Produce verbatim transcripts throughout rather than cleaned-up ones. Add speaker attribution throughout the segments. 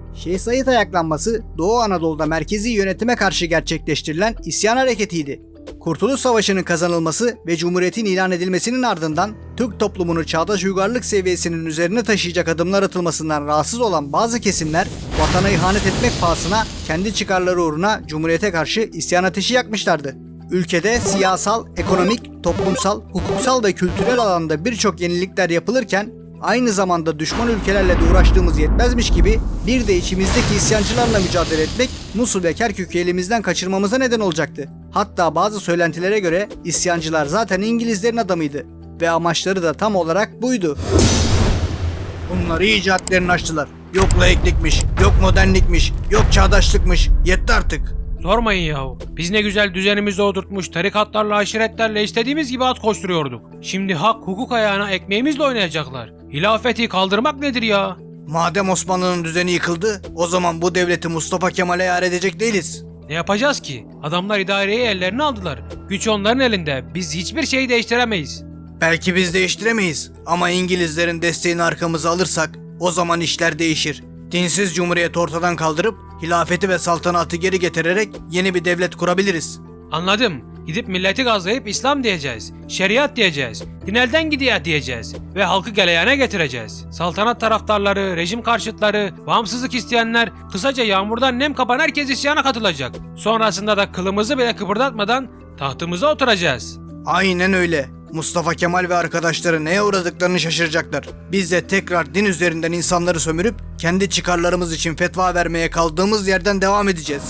Speaker 1: Şeyh Said ayaklanması Doğu Anadolu'da merkezi yönetime karşı gerçekleştirilen isyan hareketiydi. Kurtuluş Savaşı'nın kazanılması ve Cumhuriyet'in ilan edilmesinin ardından Türk toplumunu çağdaş uygarlık seviyesinin üzerine taşıyacak adımlar atılmasından rahatsız olan bazı kesimler vatana ihanet etmek pahasına kendi çıkarları uğruna Cumhuriyet'e karşı isyan ateşi yakmışlardı. Ülkede siyasal, ekonomik, toplumsal, hukuksal ve kültürel alanda birçok yenilikler yapılırken aynı zamanda düşman ülkelerle de uğraştığımız yetmezmiş gibi bir de içimizdeki isyancılarla mücadele etmek Musul ve Kerkük'ü elimizden kaçırmamıza neden olacaktı. Hatta bazı söylentilere göre isyancılar zaten İngilizlerin adamıydı ve amaçları da tam olarak buydu. Bunlar iyice hadlerini aştılar. Yok laiklikmiş, yok modernlikmiş, yok çağdaşlıkmış. Yetti artık.
Speaker 2: Sormayın yahu. Biz ne güzel düzenimizi oturtmuş, tarikatlarla, aşiretlerle istediğimiz gibi at koşturuyorduk. Şimdi hak, hukuk ayağına ekmeğimizle oynayacaklar. Hilafeti kaldırmak nedir ya?
Speaker 1: Madem Osmanlı'nın düzeni yıkıldı, o zaman bu devleti Mustafa Kemal'e yar edecek değiliz.
Speaker 2: Ne yapacağız ki? Adamlar idareyi ellerine aldılar. Güç onların elinde. Biz hiçbir şeyi değiştiremeyiz.
Speaker 1: Belki biz değiştiremeyiz ama İngilizlerin desteğini arkamıza alırsak o zaman işler değişir. Dinsiz cumhuriyet ortadan kaldırıp hilafeti ve saltanatı geri getirerek yeni bir devlet kurabiliriz.
Speaker 2: Anladım. Gidip milleti gazlayıp İslam diyeceğiz. Şeriat diyeceğiz. Din elden gidiyor diyeceğiz. Ve halkı galeyana getireceğiz. Saltanat taraftarları, rejim karşıtları, bağımsızlık isteyenler, kısaca yağmurdan nem kapan herkes isyana katılacak. Sonrasında da kılımızı bile kıpırdatmadan tahtımıza oturacağız.
Speaker 1: Aynen öyle. Mustafa Kemal ve arkadaşları neye uğradıklarını şaşıracaklar. Biz de tekrar din üzerinden insanları sömürüp kendi çıkarlarımız için fetva vermeye kaldığımız yerden devam edeceğiz.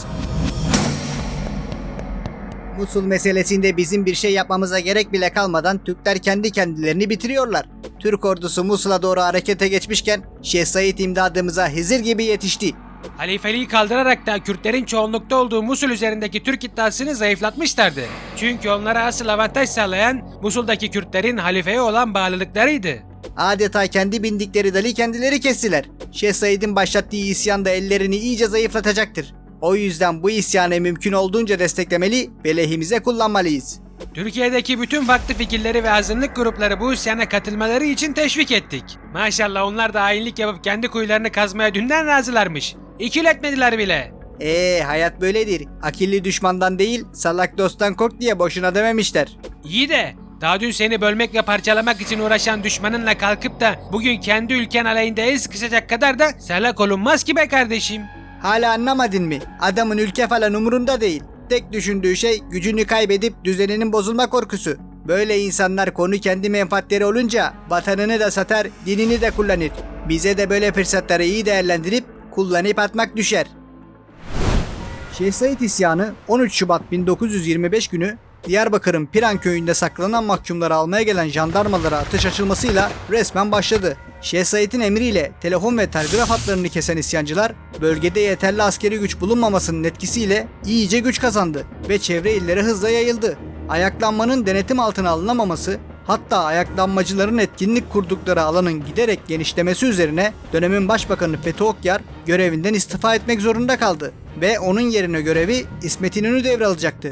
Speaker 1: Musul meselesinde bizim bir şey yapmamıza gerek bile kalmadan Türkler kendi kendilerini bitiriyorlar. Türk ordusu Musul'a doğru harekete geçmişken Şeyh Said imdadımıza Hızır gibi yetişti.
Speaker 2: Halifeliği kaldırarak da Kürtlerin çoğunlukta olduğu Musul üzerindeki Türk iddiasını zayıflatmışlardı. Çünkü onlara asıl avantaj sağlayan Musul'daki Kürtlerin halifeye olan bağlılıklarıydı.
Speaker 1: Adeta kendi bindikleri dalı kendileri kestiler. Şeyh Said'in başlattığı isyan da ellerini iyice zayıflatacaktır. O yüzden bu isyanı mümkün olduğunca desteklemeli ve lehimize kullanmalıyız.
Speaker 2: Türkiye'deki bütün farklı fikirleri ve azınlık grupları bu isyana katılmaları için teşvik ettik. Maşallah onlar da hainlik yapıp kendi kuyularını kazmaya dünden razılarmış. İkil etmediler bile.
Speaker 1: Eee hayat böyledir. Akilli düşmandan değil salak dosttan kork diye boşuna dememişler.
Speaker 2: İyi de daha dün seni bölmek ve parçalamak için uğraşan düşmanınla kalkıp da bugün kendi ülken aleyhinde el sıkışacak kadar da salak olunmaz ki be kardeşim.
Speaker 1: Hala anlamadın mı? Adamın ülke falan umurunda değil. Tek düşündüğü şey gücünü kaybedip düzeninin bozulma korkusu. Böyle insanlar konu kendi menfaatleri olunca vatanını da satar, dinini de kullanır. Bize de böyle fırsatları iyi değerlendirip kullanıp atmak düşer. Şeyh Said isyanı on üç Şubat bin dokuz yüz yirmi beş günü Diyarbakır'ın Piran köyünde saklanan mahkumları almaya gelen jandarmalara ateş açılmasıyla resmen başladı. Şeyh Said'in emriyle telefon ve telgraf hatlarını kesen isyancılar bölgede yeterli askeri güç bulunmamasının etkisiyle iyice güç kazandı ve çevre illere hızla yayıldı. Ayaklanmanın denetim altına alınamaması, hatta ayaklanmacıların etkinlik kurdukları alanın giderek genişlemesi üzerine dönemin başbakanı Fethi Okyar görevinden istifa etmek zorunda kaldı ve onun yerine görevi İsmet İnönü devralacaktı.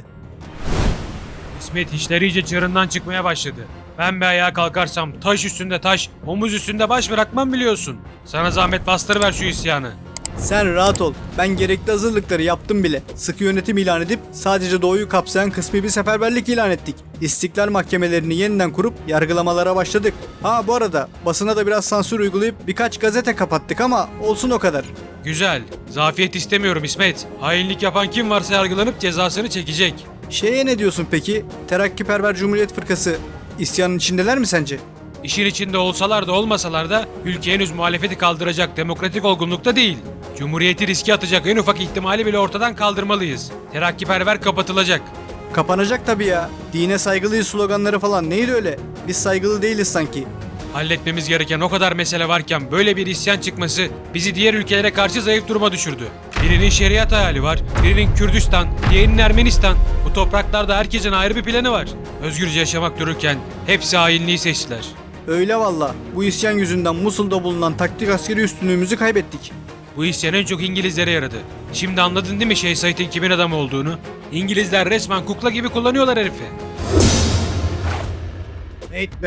Speaker 2: İsmet işleri iyice çığırından çıkmaya başladı. Ben bir ayağa kalkarsam taş üstünde taş, omuz üstünde baş bırakmam biliyorsun. Sana zahmet bastırıver şu isyanı.
Speaker 1: Sen rahat ol. Ben gerekli hazırlıkları yaptım bile. Sıkı yönetim ilan edip sadece doğuyu kapsayan kısmi bir seferberlik ilan ettik. İstiklal mahkemelerini yeniden kurup yargılamalara başladık. Ha bu arada basına da biraz sansür uygulayıp birkaç gazete kapattık ama olsun o kadar.
Speaker 2: Güzel. Zafiyet istemiyorum İsmet. Hainlik yapan kim varsa yargılanıp cezasını çekecek.
Speaker 1: Şeye ne diyorsun peki? Terakkiperver Cumhuriyet Fırkası isyanın içindeler mi sence?
Speaker 2: İşin içinde olsalar da olmasalar da ülke henüz muhalefeti kaldıracak demokratik olgunlukta değil. Cumhuriyeti riske atacak en ufak ihtimali bile ortadan kaldırmalıyız. Terakkiperver kapatılacak.
Speaker 1: Kapanacak tabii ya. Dine saygılıyız sloganları falan neydi öyle? Biz saygılı değiliz sanki.
Speaker 2: Halletmemiz gereken o kadar mesele varken böyle bir isyan çıkması bizi diğer ülkelere karşı zayıf duruma düşürdü. Birinin şeriat hayali var, birinin Kürdistan, diğerinin Ermenistan. Bu topraklarda herkesin ayrı bir planı var. Özgürce yaşamak dururken hepsi hainliği seçtiler.
Speaker 1: Öyle valla. Bu isyan yüzünden Musul'da bulunan taktik askeri üstünlüğümüzü kaybettik.
Speaker 2: Bu isyan en çok İngilizlere yaradı. Şimdi anladın değil mi Şeyh Said'in kimin adamı olduğunu? İngilizler resmen kukla gibi kullanıyorlar herifi.
Speaker 1: Neyt be.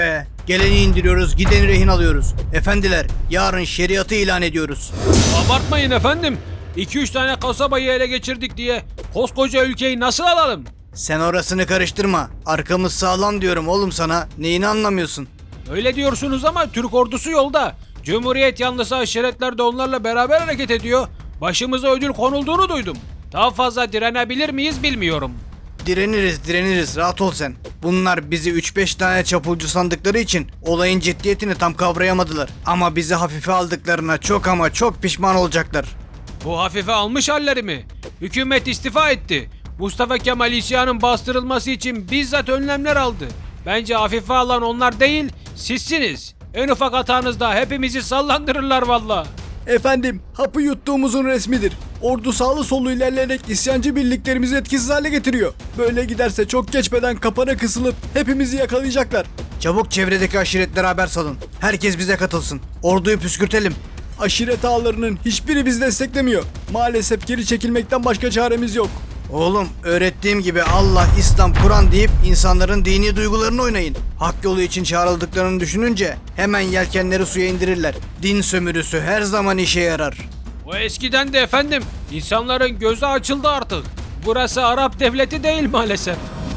Speaker 1: Geleni indiriyoruz, gideni rehin alıyoruz. Efendiler, yarın şeriatı ilan ediyoruz.
Speaker 2: Abartmayın efendim. iki üç tane kasabayı ele geçirdik diye koskoca ülkeyi nasıl alalım?
Speaker 1: Sen orasını karıştırma. Arkamız sağlam diyorum oğlum sana. Neyini anlamıyorsun?
Speaker 2: Öyle diyorsunuz ama Türk ordusu yolda. Cumhuriyet yanlısı aşiretler de onlarla beraber hareket ediyor. Başımıza ödül konulduğunu duydum. Daha fazla direnebilir miyiz bilmiyorum.
Speaker 1: Direniriz, direniriz. Rahat ol sen. Bunlar bizi üç beş tane çapulcu sandıkları için olayın ciddiyetini tam kavrayamadılar. Ama bizi hafife aldıklarına çok ama çok pişman olacaklar.
Speaker 2: Bu hafife almış halleri mi? Hükümet istifa etti. Mustafa Kemal isyanın bastırılması için bizzat önlemler aldı. Bence hafife alan onlar değil, sizsiniz. En ufak hatanızda hepimizi sallandırırlar valla.
Speaker 1: Efendim, hapı yuttuğumuzun resmidir. Ordu sağlı sollu ilerleyerek isyancı birliklerimizi etkisiz hale getiriyor. Böyle giderse çok geçmeden kapana kısılıp hepimizi yakalayacaklar. Çabuk çevredeki aşiretlere haber salın. Herkes bize katılsın. Orduyu püskürtelim. Aşiret ağalarının hiçbiri bizi desteklemiyor. Maalesef geri çekilmekten başka çaremiz yok. Oğlum, öğrettiğim gibi Allah, İslam, Kur'an deyip insanların dini duygularını oynayın. Hak yolu için çağrıldıklarını düşününce hemen yelkenleri suya indirirler. Din sömürüsü her zaman işe yarar.
Speaker 2: O eskiden de efendim. İnsanların gözü açıldı artık. Burası Arap devleti değil maalesef.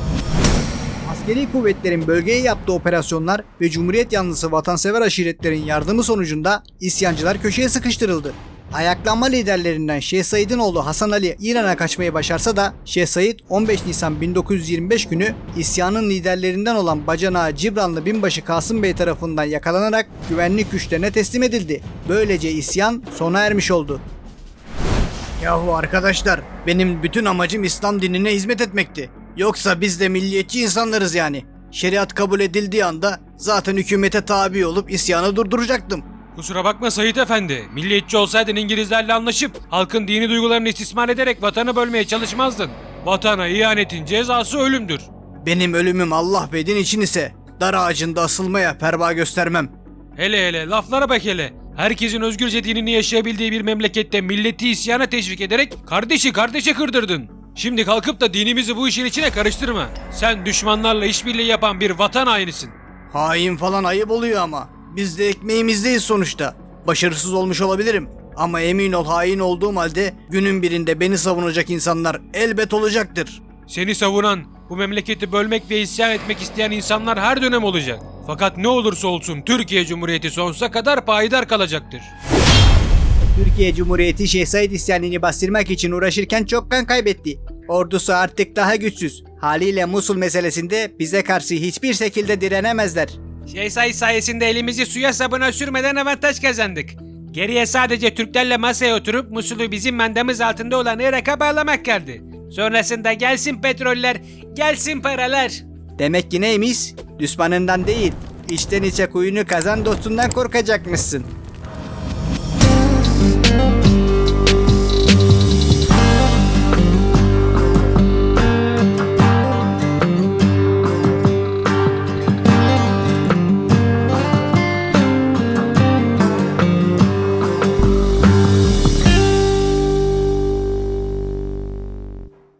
Speaker 1: Askeri kuvvetlerin bölgeye yaptığı operasyonlar ve Cumhuriyet yanlısı vatansever aşiretlerin yardımı sonucunda isyancılar köşeye sıkıştırıldı. Ayaklanma liderlerinden Şeyh Said'in oğlu Hasan Ali İran'a kaçmayı başarsa da Şeyh Said on beş Nisan bin dokuz yüz yirmi beş günü isyanın liderlerinden olan bacanağı Cibranlı binbaşı Kasım Bey tarafından yakalanarak güvenlik güçlerine teslim edildi. Böylece isyan sona ermiş oldu. Yahu arkadaşlar, benim bütün amacım İslam dinine hizmet etmekti. Yoksa biz de milliyetçi insanlarız yani. Şeriat kabul edildiği anda zaten hükümete tabi olup isyanı durduracaktım.
Speaker 2: Kusura bakma Sait Efendi. Milliyetçi olsaydın İngilizlerle anlaşıp halkın dini duygularını istismar ederek vatanı bölmeye çalışmazdın. Vatana ihanetin cezası ölümdür.
Speaker 1: Benim ölümüm Allah ve din için ise dar ağacında asılmaya perva göstermem.
Speaker 2: Hele hele laflara bak hele. Herkesin özgürce dinini yaşayabildiği bir memlekette milleti isyana teşvik ederek kardeşi kardeşe kırdırdın. Şimdi kalkıp da dinimizi bu işin içine karıştırma. Sen düşmanlarla işbirliği yapan bir vatan hainisin.
Speaker 1: Hain falan ayıp oluyor ama. Biz de ekmeğimizdeyiz sonuçta. Başarısız olmuş olabilirim. Ama emin ol, hain olduğum halde günün birinde beni savunacak insanlar elbet olacaktır.
Speaker 2: Seni savunan, bu memleketi bölmek ve isyan etmek isteyen insanlar her dönem olacak. Fakat ne olursa olsun Türkiye Cumhuriyeti sonsuza kadar payidar kalacaktır.
Speaker 1: Türkiye Cumhuriyeti Şeyh Said isyanını bastırmak için uğraşırken çok kan kaybetti. Ordusu artık daha güçsüz. Haliyle Musul meselesinde bize karşı hiçbir şekilde direnemezler.
Speaker 2: Şeyh Said sayesinde elimizi suya sabuna sürmeden avantaj kazandık. Geriye sadece Türklerle masaya oturup Musul'u bizim mandamız altında olan Irak'a bağlamak kaldı. Sonrasında gelsin petroller, gelsin paralar.
Speaker 1: Demek ki neymiş? Düşmanından değil, içten içe kuyunu kazan dostundan korkacakmışsın.